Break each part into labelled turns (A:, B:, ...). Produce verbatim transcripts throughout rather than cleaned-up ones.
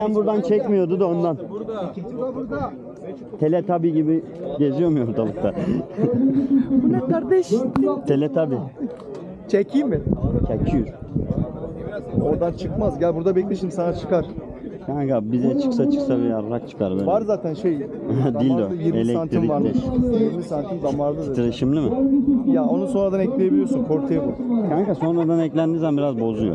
A: Ben buradan çekmiyordu da ondan. Teletabi gibi geziyor mu ortalıkta?
B: Bu ne kardeş?
A: Teletabi.
B: Çekeyim mi?
A: Çekiyor.
B: Oradan çıkmaz. Gel burada bekle, şimdi sana çıkar.
A: Kanka bize çıksa çıksa bir yarrak çıkar böyle.
B: Var zaten şey.
A: Dildo,
B: damarda yirmi santim varmış.
A: elektrikli.
B: yirmi santim damarda. dedi.
A: Titreşimli mi?
B: Ya onu sonradan ekleyebiliyorsun. Portable.
A: Kanka sonradan eklendiği zaman biraz bozuyor.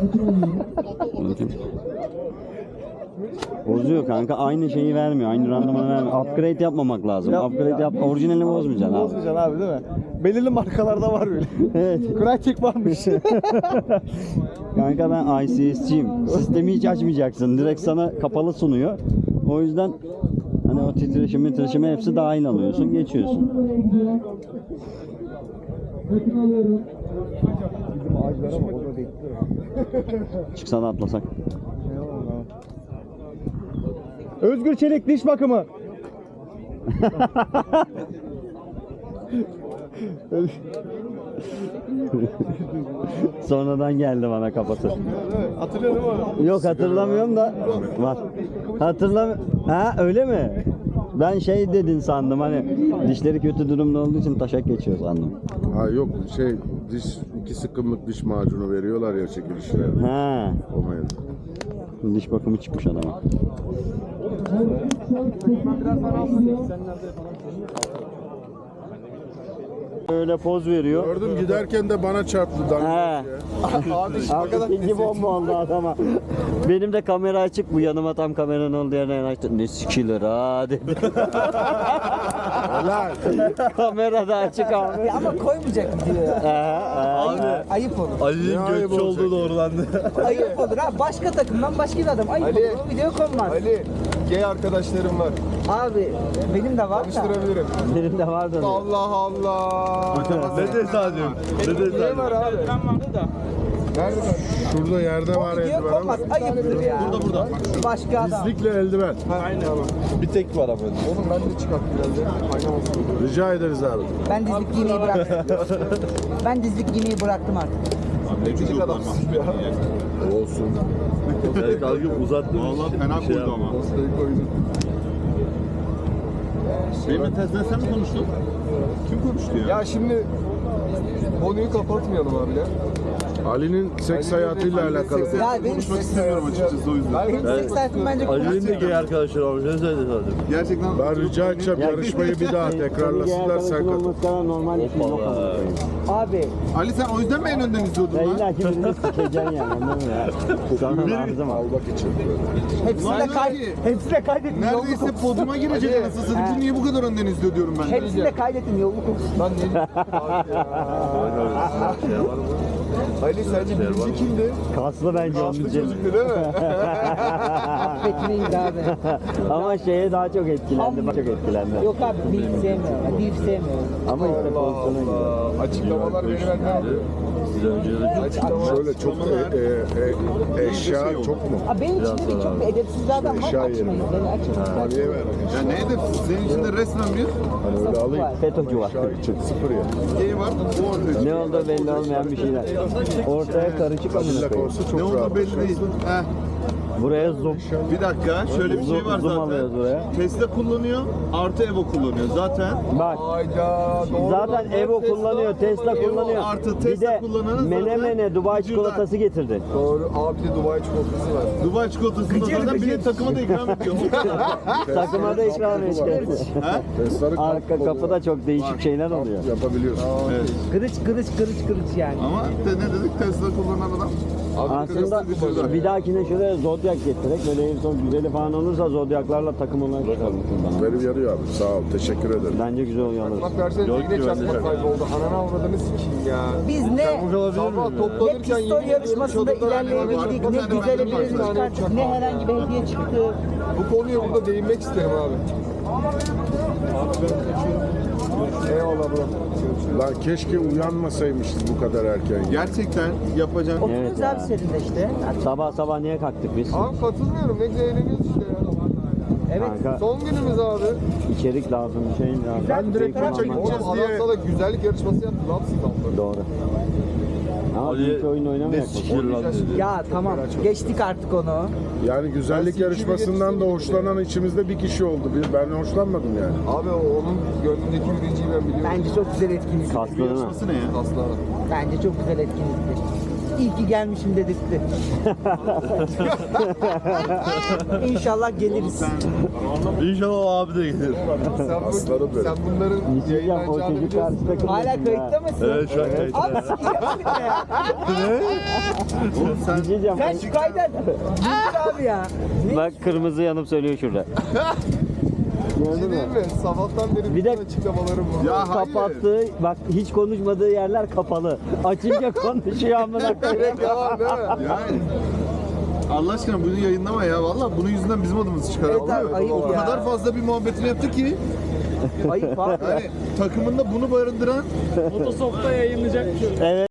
A: Bozuyor kanka, aynı şeyi vermiyor, aynı randımanı vermiyor. Upgrade yapmamak lazım.
B: Yap-
A: Upgrade yap, orijinalini bozmayacaksın abi.
B: Bozmayacaksın abi, değil mi? Belirli markalarda var böyle.
A: Evet.
B: Crytek varmış.
A: Kanka ben I C S'ciyim. Sistemi hiç açmayacaksın. Direkt sana kapalı sunuyor. O yüzden hani o titreşimi, titreşimi hepsi dahil alıyorsun, geçiyorsun.
B: Bizim ağaçlara bak, orada bekliyor.
A: Çıksa da atlasak.
B: Özgür Çelik diş bakımı.
A: Sonradan geldi bana kafası.
B: Hatırlıyor musun onu?
A: Yok hatırlamıyorum da var. Hatırlam. Ha öyle mi? Ben şey dedin sandım, hani dişleri kötü durumda olduğu için taşak geçiyor sandım.
C: Ha yok şey diş iki sıkımlık diş macunu veriyorlar ya çekilişlere.
A: Ha,
C: O mevzu.
A: diş bakımı çıkmış adama. Öyle poz veriyor.
C: Gördüm giderken de bana çarptı.
A: He.
C: Dandik.
A: Abi ikinci bomba oldu adama. Benim de kamera açık, bu yanıma tam kameranın olduğu yerine yanaştı. Ne sikilir ha dedi.
C: Helal.
A: Kamera da açık abi.
D: Ama koymayacak diyor ya.
A: Abi.
D: Ayıp olur.
C: Ali'nin gökçe olduğu
B: doğrulandı.
D: Ayıp olur ha. Başka takımdan başka bir adam. Ayıp
B: Ali.
D: olur. O video konmaz.
B: Ali, gay arkadaşlarım var.
D: Abi benim de var da.
B: Tanıştırabilirim.
A: Benim de vardı.
B: Allah Allah.
C: Ne tesadüf. Ne
B: Ne var abi? Nerede?
C: Şurada yerde
D: O
C: var
D: video
C: eldiven ama.
D: konmaz. Ayıptır ya. Burada burada. Başka adam.
C: Dizlikle eldiven.
B: Bir tek var ama. Oğlum ben de çıkart biraz ya. Kaynamasın.
C: Rica ederiz abi.
D: Ben dizlik giymeyi bıraktım. Ben dizlik giymeyi bıraktım artık.
B: Netici adamsın ya.
C: Olsun.
E: Kalkıp uzattım. Vallahi fena koydu ama.
B: Postayı koydum.
E: Benimle tezden sen mi konuştun? Kim konuştu ya?
B: Ya şimdi konuyu kapatmayalım abi ya.
C: Ali'nin seks hayatıyla alakalı.
D: Ya benim
E: Konuşmak istemiyorum açıkçası o yüzden.
D: benim seks hayatım bence
E: Ali'nin de gay arkadaşlar olmuş. Ne söyledi zaten? Gerçekten
C: Ben rica edeceğim yarışmayı bir daha tekrarlasınlar, sen katıl.
A: katıl. Normal bir şey yok.
D: Abi
E: Ali sen o yüzden mi en önden izliyordun
A: Ya
E: lan?
A: illa ki birini sikeceksin yani, anladın mı ya? Sonra lazım abi.
C: Almak için.
D: hepsini de
E: Lan
D: kay
E: ki,
D: hepsini de kaydettim.
E: Neredeyse podyuma girecek anasını satayım. Bu niye bu kadar önden izliyor diyorum ben.
D: Hepsini de kaydettim yolunu kokusun.
B: Lan ne? Ali sence birinci kimdi?
A: Kaslı bence onun için.
B: Çocuktu değil mi?
D: Affetmeyiz abi.
A: Ama şeye daha çok etkilendi, daha çok etkilendi.
D: Yok abi beef sevmiyorum. Beef sevmiyorum.
A: Ama işte pozisyona gidiyor.
B: Allah. Açıklamalar beni benden alıyor.
C: Şöyle çok e, e, e, eşya çok mu?
D: Abi benim içimde de çok bir edepsiz adam var.
C: Eşya
D: Açmayız.
C: yerine.
D: Beni açmayız.
C: Ali'ye ver.
E: Ya ne edepsiz? Senin içinde resmen bir
C: Hani öyle alayım.
A: FETÖ'cü var.
C: Eşya için sıfır ya.
E: gay var. Bu ortaya.
A: Ne olduğu belli olmayan bir şeyler. Ortaya karışık amına
C: Kabile
A: koyayım.
C: olsa
E: Ne
C: çok rahat.
E: olduğu belli değil. Heh.
A: Buraya zoom.
E: Bir dakika şöyle bir şey var
A: Zoom alıyoruz
E: zaten.
A: buraya.
E: Tesla kullanıyor, artı Evo kullanıyor. Zaten
A: Bak.
B: Hayda. Doğru.
A: Zaten Evo kullanıyor, Tesla kullanıyor.
E: artı
A: Bir
E: Tesla
A: de
E: kullananın zaten
A: Menemen'e Dubai
E: vücuda-
A: çikolatası getirdi.
B: Doğru. Abi de Dubai çikolatası var.
E: Dubai çikolatasını zaten bir de takıma da ikram ediyor.
A: Takıma da ikram etti.
C: Tesla'nın
A: Arka kapıda çok değişik şeyler oluyor.
C: yapabiliyorsun.
E: Evet.
D: Kırıç kırıç kırıç kırıç yani.
E: Ama de ne dedik Tesla kullanan adam.
A: Aslında bir dahakine şöyle Zodiac getirerek, böyle en son güzeli falan olursa Zodiac'larla takım olarak çıkalım buradan.
C: Benim yarıyor abi. Sağ ol. Teşekkür ederim.
A: Bence güzel oluyor.
B: Bak versene yine çakmak kayboldu. Ananı avradını sikeyim ya.
D: Biz ne
B: Sabah
D: ne
B: toplanırken
D: pistol
B: yemin ediyorum
D: yarışmasında
B: çadırdan
D: ilerleyebildik, ne
E: tane
D: güzel
E: benden
D: birimiz
E: var.
D: çıkarttık, ne herhangi bir hediye çıktı.
B: Bu konuya burada değinmek isterim abi. Eyvallah bro.
C: Lan keşke uyanmasaymışız bu kadar erken.
E: Gerçekten yapacağım.
D: Oturuyoruz
A: Evet ya.
D: abi serinde işte.
A: Sabah sabah niye kalktık biz?
B: Abi katılmıyorum. Ne güzel eğleniyoruz işte ya.
D: Evet.
A: Kanka,
B: Son günümüz abi.
A: içerik lazım, bir şey lazım.
B: Ben direkt
A: Keyif
B: maça
A: almak
B: gideceğiz
A: lazım.
B: diye. Oğlum adam sana güzellik yarışması yaptı lan siz altları.
A: Doğru. Ama
B: Ali
A: büyük oyun
B: ne
A: oynamayak.
B: sikir lan dedi.
D: Ya tamam geçtik artık onu.
C: Yani güzellik yarışmasından da hoşlanan içimizde bir kişi oldu. Bir- Ben hoşlanmadım yani.
B: Abi o- onun gönlündeki birinciyi ben biliyorum.
D: Bence çok güzel etkinlik.
A: Kaslı değil mi?
E: Yarışması ne ya?
B: Aslı ara.
D: Bence çok güzel etkinlikti. İyi ki gelmişim dedirtti. İnşallah geliriz.
B: İnşallah o abi de gelir. Sen, bu,
C: Aslanım benim.
B: sen bunların
A: Diyeceğim o
B: yayınlanacağını
A: çocuk
B: biliyorsun.
A: karşı takımda.
D: Hala kayıtta mısın?
B: Evet şu an kayıtta.
D: Abi sikeceğim ya.
B: Oğlum sen
A: Diyeceğim.
D: Sen şu kaydet. Dur abi ya. Ne?
A: Bak kırmızı yanıp söylüyor şurada.
B: bir
A: Gördün
B: şey
A: mü?
B: değil mi? Sabahtan beri
A: Bir
B: bütün
A: de-
B: açıklamalarım var.
C: Ya hayır.
A: Kapattığı, bak hiç konuşmadığı yerler kapalı. Açınca konuşuyor amına koyayım.
B: Direkt yalan değil mi?
E: Yani Allah aşkına bunu yayınlama ya. Vallahi bunun yüzünden bizim adımız çıkar.
D: Evet
E: Vallahi
D: abi, ayıp
E: o
D: ya.
E: kadar fazla bir muhabbetini yaptı ki
D: Ayıp abi.
E: yani takımında bunu barındıran
A: Evet.